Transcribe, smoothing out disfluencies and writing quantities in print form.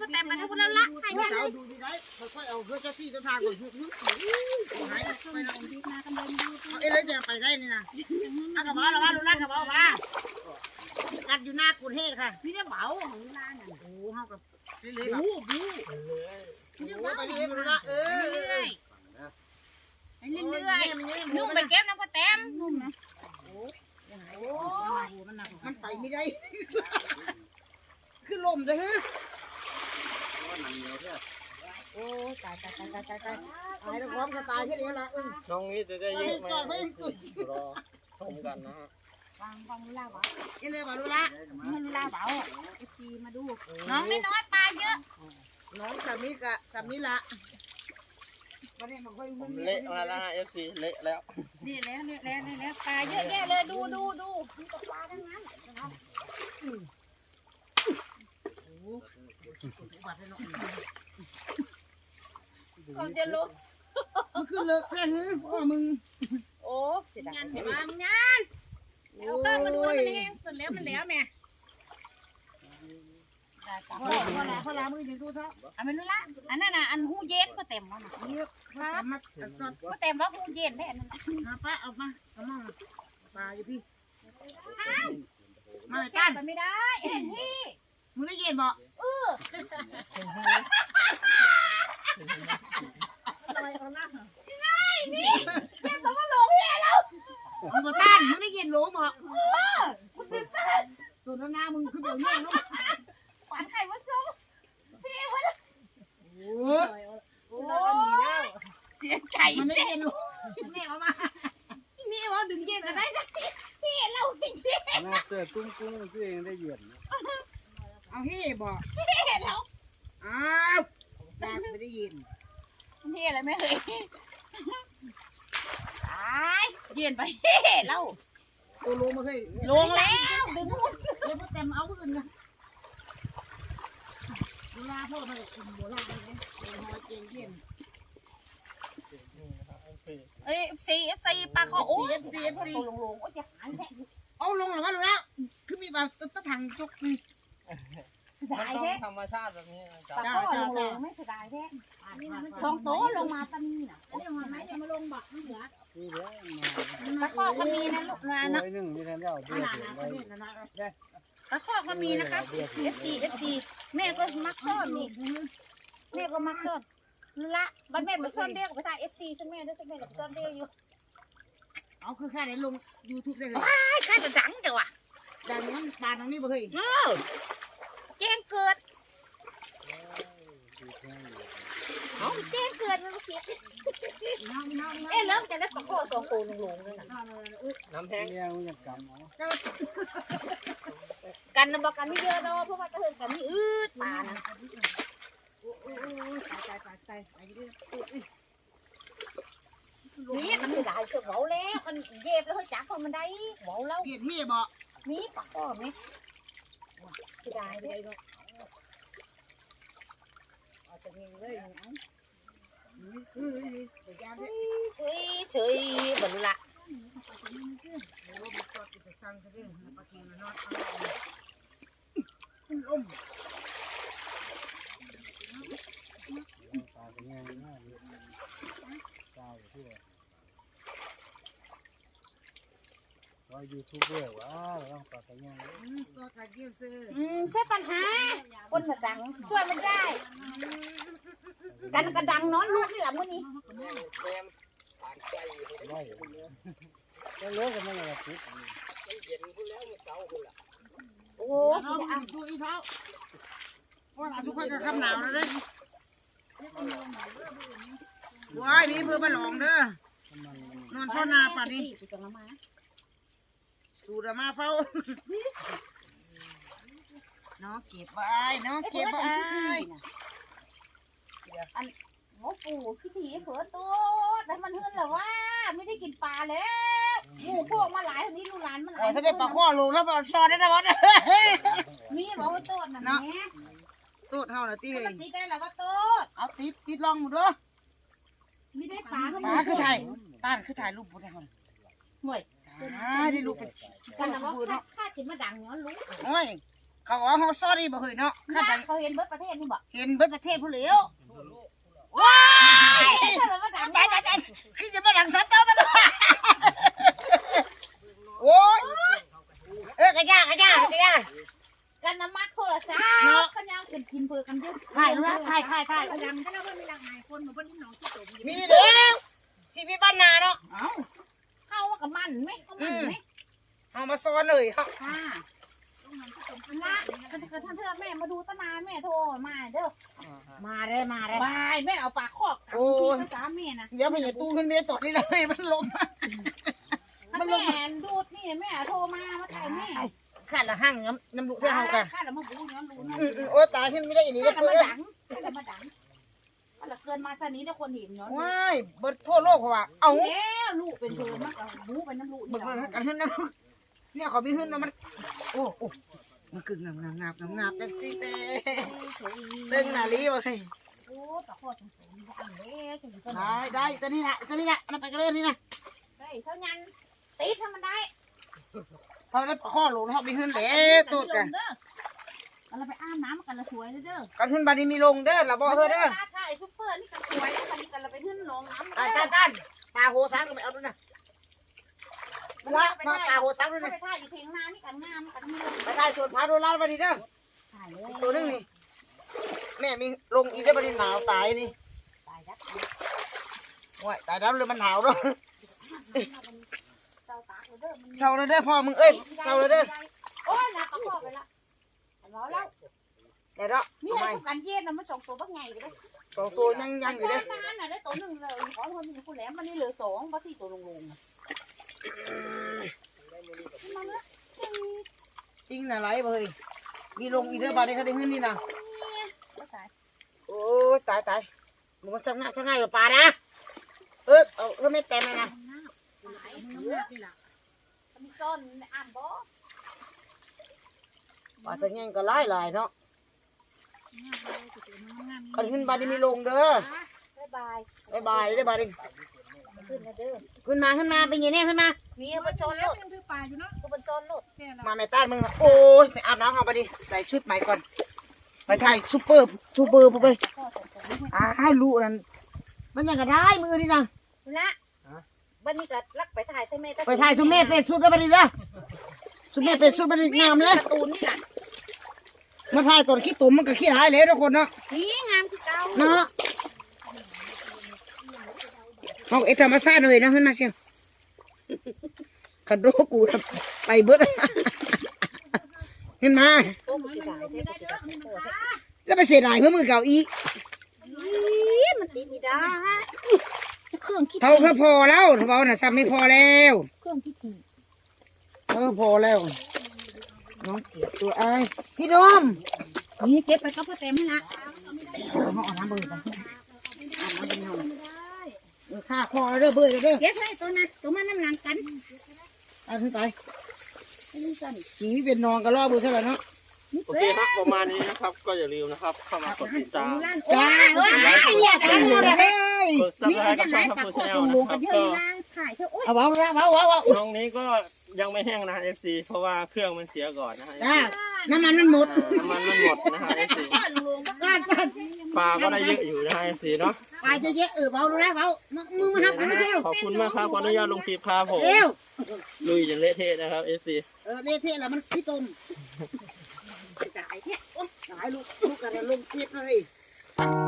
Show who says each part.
Speaker 1: แต่มาทั้งแล้วละให้แม่เลย
Speaker 2: ดูดีได้ค่อยๆเอาเพื่อเจ้าที่เจ้าทางก่อนยุบหายไปแล้วเอ้ยเลยจะไปได้นี่นะอากระเป๋าเราว่าดูนะกระเป๋ามากัดอยู่หน้ากุนเฮค่ะ
Speaker 1: พี่ได้เบาของร้านน่ะ
Speaker 2: โอ้เฮากับเรื่อยๆบู๊ไปเรื่อยๆดูละ
Speaker 1: ไป
Speaker 2: เ
Speaker 1: เรื่อยๆนุ่มไปเก็บน้ำกระแตมนุ่มนะโอ้ย
Speaker 2: มันไปไม่ได้คือลมเลยฮะโอ้ตายตายแล้วพร้อมจะตายแค่นี้ละ
Speaker 3: น้องนี่จะได้เยอะไหมรอชมกันนะฮะ
Speaker 1: ฟังลูลาเบา
Speaker 2: เอ้เลยมาดูละ
Speaker 1: ลูลาเบาเอฟซีมาดูน้องน้อยปลาเยอะ
Speaker 2: น้องสามีกะสามีละวันนี้มันค่อย
Speaker 3: ผมเละมาแล้วฮะ FC เละแล้ว
Speaker 1: นี่แล้วปลาเยอะแยะเลยดูมีแต่ปลาทั้งนั้นก่อนจะลุก
Speaker 2: มันคือเลิกแค่นี้พ่อมึง
Speaker 1: โอ้เสียดายงานแล้วก็มาดูมันเองสุดแล้วมันแล้วแม่
Speaker 2: พ่อลามือยังดูเท่า
Speaker 1: อันไม่รู้ละอันนั้นน่ะอันหูเย็นก็เต็มแล้วนะ
Speaker 2: นี่ครับมาสด
Speaker 1: ก็เต็มว่าหูเย็นได้อันนั้น
Speaker 2: มาป้าเอามาเอามาปลาอยู่พี่มา
Speaker 1: ก้า
Speaker 2: ตั้
Speaker 1: น
Speaker 2: น
Speaker 1: ไปไม่ได้พี่
Speaker 2: มึงได้ยินบ่
Speaker 1: นี่แกต้องมาหลงแย่แล้ว
Speaker 2: มึงมาตั้นมึงได้ยินหลงบ่ส่วนหน้ามึงคือเดี๋ยวนี้เนาะ
Speaker 1: ขวัญไข่วัดซุ้มพี่เว้ย
Speaker 2: โอ้ย
Speaker 1: เสียใจ
Speaker 2: มันได้ยินหลงแน่มา
Speaker 1: นี่ว่าดึงเย็นก็ได้นะพี่เราดึงเย็น
Speaker 3: น่าเสื้อตุ้งกุ้งซื้อเองได้เยือน
Speaker 2: เอาเฮ่บ่
Speaker 1: พี่เรา
Speaker 2: อ้าวแต่ไม่ได้ยิน
Speaker 1: พี่อะไรไม่เคยตายเย็นไปพี่เรา
Speaker 2: ตัวลงมาเคย
Speaker 1: ลงแล้วดึง
Speaker 2: เดี๋ยวเต็มเอาอื่นนะเวลาพ่อมากินโบราณเลยนะเย็นหอยเย็นเย็น
Speaker 1: เอ้ยFC ปลาคอโอ้ยลงโอ้ยจะหายแท้
Speaker 2: เอาลงหรือว่าลงแล้วคือมีแบบตะถังจกนี่
Speaker 1: เสีย
Speaker 3: มัน
Speaker 1: ดาย
Speaker 3: ต้อง
Speaker 1: แท้
Speaker 3: ธรรมชาติแบบนี้
Speaker 1: ปลาคอลงไม่เสียดายแท้สองโต๊ะลงมาตะมีน่ะอันนี้มันไม่จะมาลงบักมันเหลือ
Speaker 3: นี่เด้อ
Speaker 1: ปลาคอก็มีนะลูกนะ
Speaker 3: มาหนึ่งมีแทนเจ้าเดือด
Speaker 2: ขนาดนั้นนะนะ
Speaker 1: ปลาคอก็มีนะครับ FC แม่ก็มักซ่อนนี่แม่ก็มักซ่อนละบัดแม่ไปซ่อนเรียกไปถ่าย FC ซะแม่ด้วยซะแม่กับซ่อนเรียกอยู่
Speaker 2: เอาคือแค่ไหนลง YouTube ได้เลย
Speaker 1: ใครจะดังจังวะ
Speaker 2: ดังนั้นปลาทางนี้บ่เคย
Speaker 1: แจ้งเกิดเอาแจ้งเกิดมันเสียเอ๊ะเริ่มจะได้ปลาคอสองตัวลงเลยนะ
Speaker 3: น้ำแห้งเนี่ยมันจะกำเอา
Speaker 1: กันนะบอกกันไม่เยอะเนาะเพราะว่าจะเห็นกันนี่อืดปลานะ
Speaker 2: ตาย
Speaker 1: นี่มันไม่ได้จะเบาแล้วมันเย็บแล้วจักพอมันได้เบาแล้ว
Speaker 2: เกียดเฮ่บ่
Speaker 1: นี่ปลาคอไหมจะได้ไปได้เอาจะมีเลยเอาเฉยบรรละ
Speaker 3: ปลาเป็นไงน่าเยอะปลาอยู่ที่ไหนว่ายูทูบเบอร์ว่าต้องปลาเป็นไง
Speaker 1: ใช่ปัญหาคนกระดังช่วยมันได้กันกระดังนอนลูกนี่แหละมื้อนี้
Speaker 3: ได้ก็เลิกกันไม่ไงปุ๊บ
Speaker 1: โอ้
Speaker 2: เอาดูอีเท้าว่าสุขกับคำหนาวแล้วเด้ว้ายนี่เพื่อมาหลองเด้อนอนพ่อนาป่านนี้สูดมาเฝ้าน้องเก็บไว้น้องเก็บไว้
Speaker 1: อันหมอปู่ขี้ถีเผือตัวแต่มันเฮือนเหรอว่าไม่ได้กินปลาแล้วหมูพวกมาหลายคนนี้ลูกหลานมันหลาย
Speaker 2: ถ้าได้ปลาข้อลงแล้วปลาซอได้นะบอส
Speaker 1: มีบอกว่าโต๊ดน่ะแม่
Speaker 2: ตูดเท่าน่ะตีเฮ้ย
Speaker 1: ตีได้แล้วว่าโต๊ด
Speaker 2: เอาติดลองหมดด้วย
Speaker 1: ไม่ได้ปลาก็
Speaker 2: ปลาคือถ่ายต้านคือถ่ายรูปบุญให้เขา
Speaker 1: ห่วย
Speaker 2: ได้รูปเป็น
Speaker 1: กันนะว่าค่าสิมาดังเนาะรู้
Speaker 2: โอ้ยเขาอ๋อเขาซ่อนนี่บ่เคยเนาะข้าแต่
Speaker 1: เขาเห็นเบิดประเทศนี่บ่
Speaker 2: เห็นเบิดประเทศผู้เหลียว
Speaker 1: ว้ายถ้าเรามาดัง
Speaker 2: ใจคือจะมาดังซัดเต้าตลอดโอ้ยกระยาก
Speaker 1: กันน้ำมักโทรศัพท์เขายังเป็นกินเพื่อกันเยอะ
Speaker 2: ถ่ายรูปถ่าย
Speaker 1: เขาดังก็แล้วว่ามีหลากหลายคนเหมือนคนที่น้องที่โต
Speaker 2: มีเด้อชีวิตบ้านนาเนาะ
Speaker 1: เอ้าเข้ากับมันไหมเขามันไหม
Speaker 2: เอามาซ้อนเลยเฮา
Speaker 1: ค่ะละท่านเธอแม่มาดูตนานแม่โทรมาเด้อ
Speaker 2: มาได้
Speaker 1: บายแม่เอาปากคอกภาษาแม่นะ
Speaker 2: เดี๋ยวมันอย่าตู้ขึ้นไม่ได้ตอดนี่เลยมันลม
Speaker 1: ถ้าแม่ดูดนี่แม่โทรมาถ่ายแม่
Speaker 2: ขาดละห้างน้ำดุเท่ากัน
Speaker 1: ข้าเรามาบูย้อนรู้นะ
Speaker 2: โอ้ตายขึ้นไม่ได้อีนี่
Speaker 1: ข้า
Speaker 2: ก็
Speaker 1: เรา
Speaker 2: เพื่
Speaker 1: มา
Speaker 2: อน
Speaker 1: ดังข้าเรามาดังข้าเราเกินมาสนี้ถ้าคนเห็นเนาะ
Speaker 2: ว้ายเบิดทั่วโลกเขาว่าเอา
Speaker 1: แล้วลูกเป็นเธอมากบูเป็นน้ำลูก
Speaker 2: เบิดกันขึ้นนะเนี่ยเขามีขึ้นนะมันโอ้มันกึ่งงับจังสิเตึงนาลีวะเฮ้ย
Speaker 1: โอ้แต่ข้อสงสัยมันอันเล็กอยู่ก็
Speaker 2: ได้ตัวนี้แหละมันไปกันเลยนี่นะ
Speaker 1: ได้เท่านั้นตีถ้ามันได้
Speaker 2: เขาได้ข้อหลงเขามีขึ้นเลยตัวกัน
Speaker 1: เราไปอาบน้ำกันละสวยเด้อ
Speaker 2: กันขึ้นบานี้มีลงเด้อละบ่เฮ้อเด้อ
Speaker 1: ใช่ซุปเปอร์นี่กันสวยกันกันเราไปขึ้นลงน้ำ
Speaker 2: ตานปลาโหซังก็ไม่เอาด้วยนะละมาปลาโหซังด้วย
Speaker 1: ไป
Speaker 2: นะ
Speaker 1: ถ่ายอยู่เพียงนานี่กันงามกันไม่ลง
Speaker 2: ไปถ่ายสวนพาโดนลาบานี้เด้อ
Speaker 1: ถ่ายเลย
Speaker 2: ตัวนึงนี่แม่มีลงอีกได้บานี้หนาวตายนี่
Speaker 1: ตายดับ
Speaker 2: ว้ายตายแล้วเลยมันหนาวด้วย
Speaker 1: เจ้าตากเลยเด้อ
Speaker 2: เศร้าเลยเด้อพ่อมึงเอ้ยเศร้าเลยเด้อ
Speaker 1: โอ้ยนะก็พอไปละรอแล้ว
Speaker 2: เดี๋ยวเนาะ
Speaker 1: มีอะไรสำคัญเย็นนะมัน2ตัวบักใหญ่เลย
Speaker 2: สองตัวยังอยู่เด้อ
Speaker 1: นานน่ะได้ตัวหนึ่งเลยขอคนนึงผู้แหลมมันนี่เหลือ2บักที่ตัวลงมันละ
Speaker 2: จริงนะไรเว้ยมีลงอีกเด้อบานี้เขาได้เงินนี่นะ
Speaker 1: ตาย
Speaker 2: โอ้ยตายมึงมันจะง่ายหรือปลานะเอาไม่เต็มเลยนะ
Speaker 1: มีซ่อนอ่านบ่
Speaker 2: ปลาจะง่ายก็หลายเนาะกันขึ้นบานี้มีลงเด้อ
Speaker 1: บ๊ายบาย
Speaker 2: บายได้บานี้
Speaker 1: ขึ้นนะเด้อ
Speaker 2: ขึ้นมาเป็นยังไงขึ้นมา
Speaker 1: มีมันซ่อนโลด
Speaker 3: ยังถือปลาอยู่เนาะ
Speaker 1: กูมันซ่อนโลด
Speaker 2: มาแม่ต้านมึงโอ้ยไปอาบน้ำเอาไปดิใส่ชุดใหม่ก่อนไปถ่ายซูเปอร์ไปให้ลูกนั่นมันยังก็ได้มือนี่นะ
Speaker 1: ละวันนี้ก็ลักไปถ่ายใช่ไหม
Speaker 2: ไปถ่ายซูเม่เป็นชุดแล้วไปดิละซูเม่เป็นชุดมันงามเลย
Speaker 1: ตูนนี่แหละ
Speaker 2: มาถ่ายตอนขี้ตุ่มมันก็ขี้หายเลยทุกคนเนาะ
Speaker 1: นี่งามคือเก่า
Speaker 2: เนาะเอาธรรมชาติเลยนะขึ้นมาเชียวขัดโรกูไปเบิดขึ้นมา
Speaker 1: โอ้มันจะได้เท่
Speaker 2: จะไปเสียดายเพื่อมือเก่าอี
Speaker 1: มันติดไม่ได้จะเครื่องคิด
Speaker 2: เขาพอแล้วเขาน่ะซ้ำไม่พอแล้ว
Speaker 1: เครื่องคิดถี่
Speaker 2: พอแล้วน้องเกียรตัวไอ้พี่ดม
Speaker 1: นี่เก็บไปก็เพื่อเต็มให้ละ
Speaker 2: เขาเอาน้ำเบื่อไปข้าพอแล้วเด้อเบื่อเด้อ
Speaker 1: เก็บให้ตัวนั้นตัวมันน้ำหลังกัน
Speaker 2: เอาขึ้นไป
Speaker 1: นี่สั่น
Speaker 2: ขี่ไม่เป็นนอนก็ล่อเบื่อซะแล้วเนาะ
Speaker 3: โอเคครับประมาณนี้นะครับ ก็อย่าลืมนะครับ เข้ามากดติดตาม
Speaker 2: จ้า
Speaker 1: เนี่ยกันหมดเลย
Speaker 3: กดซับ
Speaker 1: นี่
Speaker 3: สไคร
Speaker 1: ก็
Speaker 3: ต์
Speaker 1: จะ
Speaker 3: กับ
Speaker 1: หา
Speaker 3: ช่อง
Speaker 1: ย
Speaker 3: ทัพ
Speaker 1: ปาก
Speaker 3: พู
Speaker 1: ข้อ
Speaker 3: ชาแน
Speaker 1: ตุ่
Speaker 3: ล
Speaker 1: ม
Speaker 3: นะ
Speaker 1: ล
Speaker 3: ครับก็
Speaker 1: งกันเยอะเลยนะถ่ายเถอะโอ๊ย
Speaker 2: เอา
Speaker 3: น้องนี้ก็ยังไม่แห้งนะ FC เพราะว่าเครื่องมันเสียก่อนนะฮะ
Speaker 2: น้ำมันมันหมด
Speaker 3: น้ำมันมันหมดนะฮะ FC
Speaker 2: กัน
Speaker 3: ปลาก็ได้เยอะอยู่นะฮะ FC เนาะ
Speaker 2: ไปจะเยอะเบาดูแลเบามือมาหักกันไม่ใช่
Speaker 3: ขอบคุณมากครับขออนุญาตลงคลิปครับผม
Speaker 2: เร็ว
Speaker 3: ลุยจนเละเทะนะครับ FC
Speaker 2: เละเทะแล้วมันขี้ต้มตายแท้ตายลูกกันลงคลิปเลย